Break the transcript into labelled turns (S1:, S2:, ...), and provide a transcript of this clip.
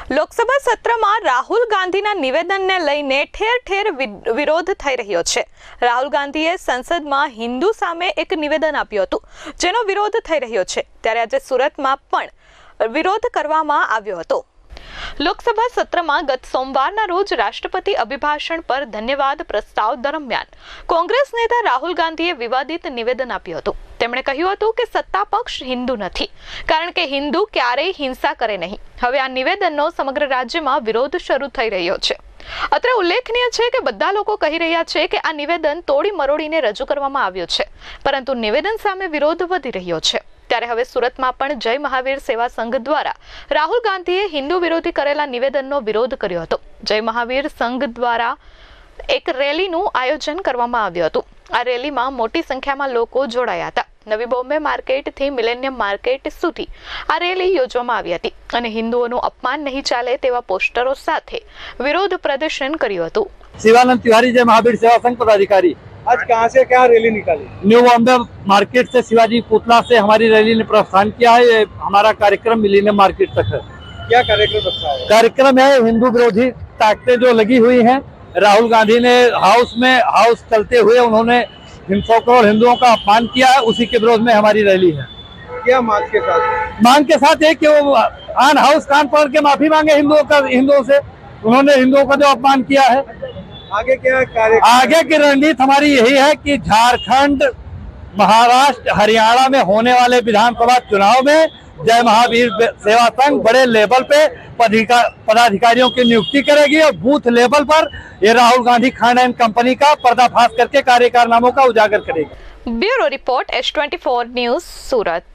S1: લોકસભા સત્રમાં રાહુલ ગાંધીના નિવેદનને લઈને ઠેર ઠેર વિરોધ થઈ રહ્યો છે। રાહુલ ગાંધીએ સંસદમાં હિન્દુ સામે એક નિવેદન આપ્યું હતું, જેનો વિરોધ થઈ રહ્યો છે। ત્યારે આજે સુરતમાં પણ વિરોધ કરવામાં આવ્યો હતો। લોકસભા સત્રમાં ગત સોમવારના રોજ રાષ્ટ્રપતિ અભિભાષણ પર ધન્યવાદ પ્રસ્તાવ દરમિયાન કોંગ્રેસ નેતા રાહુલ ગાંધીએ વિવાદિત નિવેદન આપ્યું હતું। તેમણે કહ્યું હતું કે સત્તા પક્ષ હિન્દુ નથી, કારણ કે હિન્દુ ક્યારેય હિંસા કરે નહીં। હવે આ નિવેદનનો સમગ્ર રાજ્યમાં વિરોધ શરૂ થઈ રહ્યો છે। અત્રે ઉલ્લેખનીય છે કે બધા લોકો કહી રહ્યા છે કે આ નિવેદન તોડી મરોડીને રજૂ કરવામાં આવ્યું છે, પરંતુ નિવેદન સામે વિરોધ વધી રહ્યો છે। ત્યારે હવે સુરતમાં પણ જય મહાવીર સેવા સંઘ દ્વારા રાહુલ ગાંધીએ હિન્દુ વિરોધી કરેલા નિવેદનનો વિરોધ કર્યો હતો। જય મહાવીર સંઘ દ્વારા એક રેલીનું આયોજન કરવામાં આવ્યું હતું। આ રેલીમાં મોટી સંખ્યામાં લોકો જોડાયા હતા। નવી બોમ્બે માર્કેટથી મિલેનિયમ માર્કેટ સુધી આ રેલી યોજવામાં આવી હતી અને હિન્દુઓનું અપમાન નહીં ચાલે તેવા પોસ્ટરો સાથે વિરોધ પ્રદર્શન કર્યું હતું।
S2: शिवानंद तिवारी जय महावीर सेवा संघ पदाधिकारी।
S3: आज कहाँ से क्या रैली निकाली?
S2: न्यू बॉम्बे मार्केट से शिवाजी पुतला से हमारी रैली ने प्रस्थान किया है। ये हमारा कार्यक्रम मिलेनियम मार्केट तक है।
S3: क्या कार्यक्रम रखा है?
S2: कार्यक्रम है हिंदू विरोधी ताकतें जो लगी हुई हैं। राहुल गांधी ने हाउस चलते हुए उन्होंने हिंसकों और हिंदुओं का अपमान किया है, उसी के विरोध में हमारी रैली है।
S3: क्या मांग के साथ?
S2: मांग के साथ है कि वो ऑन हाउस कान पकड़ के माफी मांगे हिंदुओं से। उन्होंने हिंदुओं का जो अपमान किया है।
S3: आगे क्या कार्य?
S2: आगे की रणनीति हमारी यही है कि झारखंड, महाराष्ट्र, हरियाणा में होने वाले विधानसभा चुनाव में जय महावीर सेवा संघ बड़े लेवल पे पदाधिकारियों की नियुक्ति करेगी और बूथ लेवल पर ये राहुल गांधी खान एंड कंपनी का पर्दाफाश करके कार्य कारनामों का उजागर करेगी।
S1: ब्यूरो रिपोर्ट S24 न्यूज़ सूरत।